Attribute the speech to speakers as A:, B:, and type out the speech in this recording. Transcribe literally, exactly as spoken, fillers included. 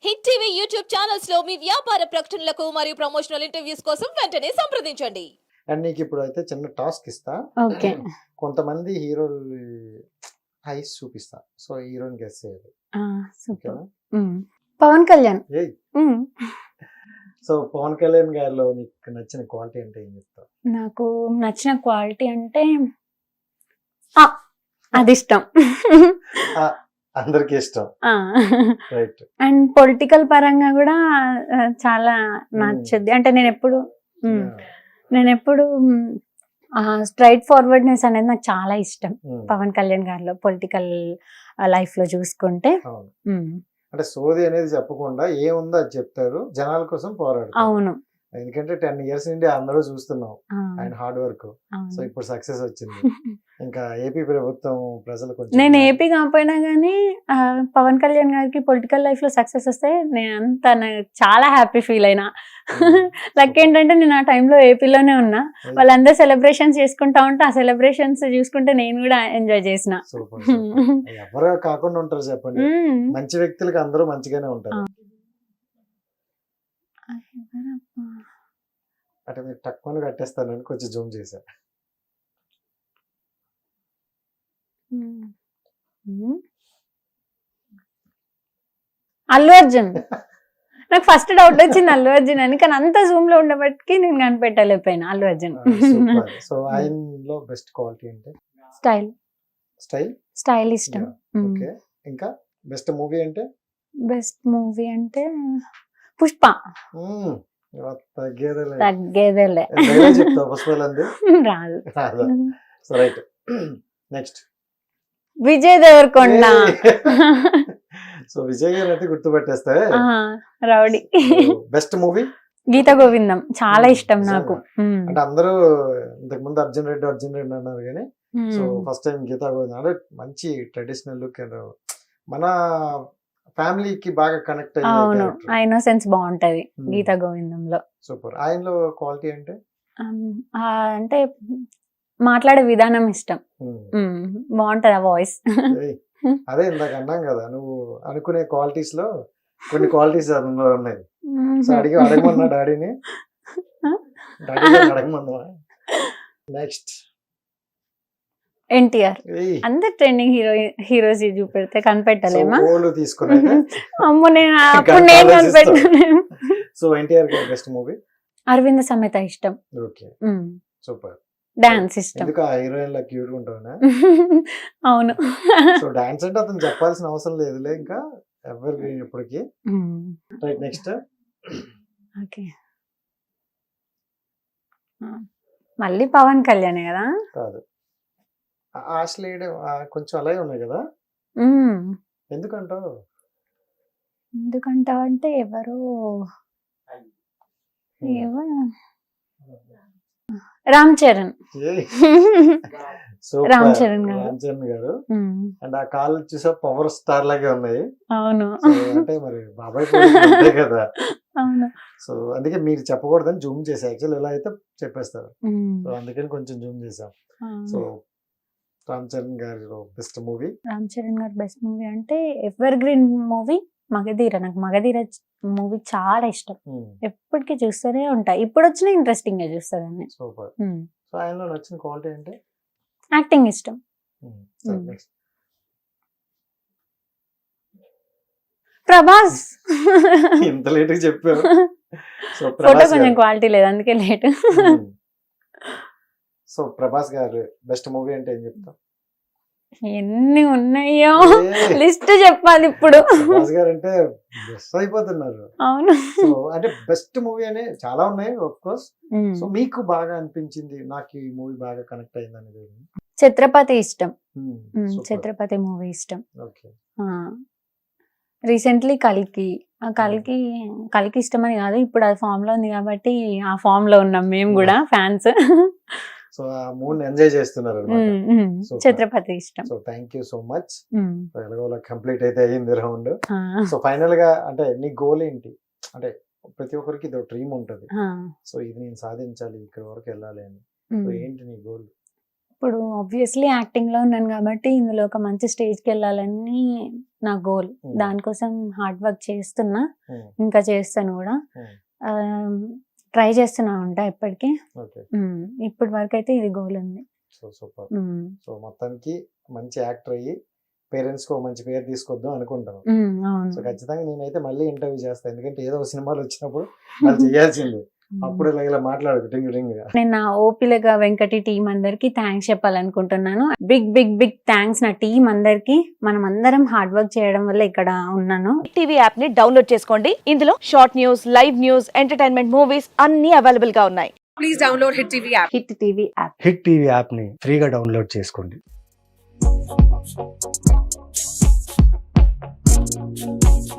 A: Hit TV YouTube channels లో మీ వ్యాపార ప్రకటనలకు మరియు ప్రమోషనల్ ఇంటర్వ్యూస్ కోసం వెంటనే సంప్రదించండి.
B: అండ్ నీకు ఇప్పుడు అయితే చిన్న టాస్క్ ఇస్తా.
C: ఓకే.
B: కొంతమంది హీరోలు ఐస్ చూపిస్తా. సో హీరోని గెస్ చేయాలి.
C: ఆ! సూపర్.
B: ఓకేనా?
C: హ్మ్. పవన్ కళ్యాణ్.
B: ఏయ్
C: హ్మ్.
B: సో పవన్ కళ్యాణ్ గారిలో నీకు నచ్చిన క్వాలిటీ అంటే ఏం చెప్తావు?
C: నాకు నచ్చిన క్వాలిటీ అంటే ఆ! అది ఇష్టం.
B: ఆ, అందరికి ఇష్టం.
C: ఆ!
B: రైట్.
C: అండ్ పొలిటికల్ పరంగా కూడా ఆహ్, చాలా నచ్చుద్ది. అంటే నేనెప్పుడు హ్మ్. నేనెప్పుడు ఆహ్, స్ట్రెయిట్ ఫార్వర్డ్‌నెస్ అనేది నాకు చాలా ఇష్టం. పవన్ కళ్యాణ్ గారిలో పొలిటికల్ లైఫ్‌లో చూసుకుంటే.
B: అవును.
C: హ్మ్.
B: అంటే సోది అనేది చెప్పకుండా ఏముందో అది చెప్తారు. జనాల కోసం పోరాడతారు.
C: అవును.
B: ఎందుకంటే టెన్ ఇయర్స్ నుండి అందరూ చూస్తున్నాం
C: ఆ!
B: ఆయన హార్డ్ వర్క్. సో
C: అవును.
B: ఇప్పుడు సక్సెస్ వచ్చింది. ఇంకా ఏపీ ప్రభుత్వం ప్రజలు కొంచెం
C: నేను ఏపీ కాకపోయినా కానీ పవన్ కళ్యాణ్ గారికి పొలిటికల్ లైఫ్ లో సక్సెస్ వస్తే నేను అంత నాకు చాలా హ్యాపీ ఫీల్ అయినా. లక్ ఏంటంటే నేను ఆ టైంలో ఏపీలోనే ఉన్నా. వాళ్ళందరూ సెలబ్రేషన్స్ చేసుకుంటా ఉంటే ఆ సెలబ్రేషన్స్ చూసుకుంటే నేను కూడా ఎంజాయ్ చేసిన.
B: సూపర్. ఎవరు కాకుండా ఉంటారు చెప్పండి. మంచి వ్యక్తులకి అందరూ మంచిగానే ఉంటారు. అంటే మీరు తక్కువ కట్టేస్తానని కొంచెం జూమ్ చేశా.
C: అల్లు అర్జున్. నాకు ఫస్ట్ డౌట్ వచ్చింది అల్లు అర్జున్ అని, కానీ అంత జూమ్ లో ఉండబట్టి నేను కనిపెట్టలేకపోయినా. అల్లు అర్జున్.
B: సో ఆయనలో బెస్ట్ క్వాలిటీ అంటే
C: స్టైల్.
B: స్టైల్
C: స్టైల్ ఇష్టం.
B: ఓకే. ఇంకా బెస్ట్ మూవీ అంటే
C: బెస్ట్ మూవీ అంటే పుష్ప.
B: మ్మ్. ఇవాళ తగ్గేదేలే.
C: తగ్గేదేలే.
B: డైలాగ్ చెప్తావా పుష్పలంది?
C: రాదు.
B: రాదా? So right. Next
C: Vijay Deverakonda.
B: So Vijay garu అయితే గుర్తుపెట్టేస్తే.
C: ఆ, rowdy.
B: Best movie
C: Geetha Govindam చాలా ఇష్టం నాకు.
B: అంటే అందరూ ఇంతకు ముందు అర్జున్ రెడ్డి అర్జున్ రెడ్డి అన్నారు కానీ so first time Geetha Govindam అంటే మంచి ట్రెడిషనల్ లుక్. మన ఫ్యామిలీకి బాగా కనెక్ట్
C: అవును,
B: అయ్యే
C: ఆ ఇన్నోసెన్స్ బాగుంటది గీత గోవిందంలో.
B: సూపర్. ఆయనలో క్వాలిటీ అంటే
C: ఆ, అంటే మాట్లాడే విధానం ఇష్టం. బాగుంటది ఆ వాయిస్.
B: ఏయ్, అదే ఇందాక అన్నాం కదా నువ్వు అనుకునే క్వాలిటీస్ లో కొన్ని క్వాలిటీస్ అందులో ఉన్నాయి. సో అడిగి అడగమన్నా డాడీని. డాడీ అడగమన్నా. Next
C: NTR. అందరు ట్రెండింగ్ హీరో హీరోస్ చూపెడితే కనిపెట్టలేమా?
B: తీసుకున్నా.
C: అమ్మో, నేను అప్పుడు నేను కనిపెట్టలేను.
B: So NTR best movie
C: Aravinda Sametha ఇష్టం.
B: ఓకే. సూపర్.
C: డాన్స్ ఇష్టం.
B: ఎందుకు ఆ హీరోయిన్ లా క్యూట్ ఉంటావునా?
C: అవును.
B: సో డాన్స్ అంటే అతను చెప్పాల్సిన అవసరం లేదులే, ఇంకా ఎవర్ గ్రీన్ ఇప్పటికి. రైట్. Next
C: okay. మళ్ళీ పవన్ కళ్యాణ్ కదా?
B: కాదు, ఆశ్లేడ్ కొంచెం అలాగే ఉన్నాయి కదా. ఎందుకంటావు?
C: ఎందుకంటావు అంటే ఎవరు ఏవో రామ్ చరణ్. రామ్ చరణ్ గారు.
B: రామ్ చరణ్ గారు. అండ్ ఆ కాళ్ళు చూసా పవర్ స్టార్ లాగే ఉన్నాయి.
C: అవును.
B: అంటే మరి బాబాయ్ కూడా కదా.
C: అవును.
B: సో అందుకే మీరు చెప్పకూడదని జూమ్ చేసా. యాక్చువల్ ఇలా అయితే చెప్పేస్తారు. సో అందుకని కొంచెం జూమ్ చేసాం. So Ram Charan garu best movie.
C: Ram Charan garu best movie అంటే ఎవర్ గ్రీన్ మూవీ మగధీర. నాకు మగధీర మూవీ చాలా ఇష్టం. ఎప్పటికీ చూస్తూనే ఉంటా. ఇప్పుడు వచ్చిన ఇంట్రెస్టింగ్ గా చూస్తాను.
B: సూపర్. సో ఆయనలో నచ్చిన క్వాలిటీ అంటే
C: యాక్టింగ్ ఇష్టం. ప్రభాస్.
B: ఇంత లేట్ చెప్పారు. సో
C: ఫోటో కొంచెం క్వాలిటీ లేదు అందుకే లేట్.
B: సో ప్రభాస్ గారు బెస్ట్ మూవీ అంటే ఏం చెప్తాం?
C: ఎన్ని ఉన్నాయో లిస్ట్ చెప్పాలి ఇప్పుడు.
B: ప్రభాస్ గారు అంటే బెస్ట్ అయిపోతున్నారు.
C: అవును.
B: సో అంటే బెస్ట్ మూవీ అనే చాలా ఉన్నాయి ఆఫ్ కోర్స్. సో మీకు బాగా అనిపించింది, నాకు ఈ మూవీ బాగా కనెక్ట్ అయింది అనేది?
C: ఛత్రపతి ఇష్టం. ఛత్రపతి మూవీ ఇష్టం.
B: ఓకే.
C: రీసెంట్లీ కల్కి. కల్కి కల్కి ఇష్టం అని కాదు, ఇప్పుడు అది ఫామ్ లో ఉంది కాబట్టి ఆ ఫామ్ లో ఉన్నాం మేము కూడా ఫ్యాన్స్.
B: సో ఆ మూడ్ ఎంజాయ్ చేస్తున్నారు.
C: ఛత్రపతి ఇష్టం.
B: So thank you so much. ఎలాగోలా కంప్లీట్ అయితే అయ్యింది రౌండ్. సో ఫైనల్ గా అంటే నీ గోల్ ఏంటి? అంటే ప్రతి ఒక్కరికి ఇది డ్రీమ్ ఉంటది. సో ఇది నేను సాధించాలి, ఇక్కడ వరకు వెళ్ళాలి అని. సో ఏంటి నీ గోల్?
C: ఇప్పుడు ఆబ్వియస్లీ యాక్టింగ్ లో ఉన్నాను కాబట్టి ఇందులో ఒక మంచి స్టేజ్కి వెళ్ళాలని నా గోల్.
B: Hmm.
C: దానికోసం హార్డ్ వర్క్ చేస్తున్నా,
B: Hmm.
C: ఇంకా చేస్తాను కూడా.
B: Hmm.
C: ట్రై చేస్తున్నా ఉంటా ఇప్పటికీ.
B: ఓకే.
C: ఇప్పటి వరకు అయితే ఇది గోల్ ఉంది.
B: So super.
C: ఉమ్,
B: సో మొత్తానికి మంచి యాక్టర్ అయ్యి పేరెంట్స్ కు ఒక మంచి పేరు తీసుకొద్దాం అనుకుంటాను.
C: ఉమ్,
B: సో
C: అవును.
B: ఖచ్చితంగా నేనైతే మళ్ళీ ఇంటర్వ్యూ చేస్తాను, ఎందుకంటే ఏదో ఒక సినిమాలు వచ్చినప్పుడు వాళ్ళు చేయాల్సిందే. అప్పుడు ఇలా ఇలా మాట్లాడు టింగ్ టింగ్ గా.
C: నేను నా ఓపిలగా వెంకటి టీం అందరికి థ్యాంక్స్ చెప్పాలనుకుంటున్నాను. బిగ్ బిగ్ బిగ్ థ్యాంక్స్ నా టీం అందరికి. మనం అందరం హార్డ్ వర్క్ చేయడం వల్ల ఇక్కడ ఉన్నాను.
D: హిట్ టీవీ యాప్ ని డౌన్లోడ్ చేసుకోండి. ఇందులో short news, live news, entertainment movies అన్ని అవైలబుల్ గా ఉన్నాయి.
E: Please download Hit T V app.
C: Hit TV app.
F: Hit TV యాప్ని ఫ్రీగా డౌన్లోడ్ చేసుకోండి.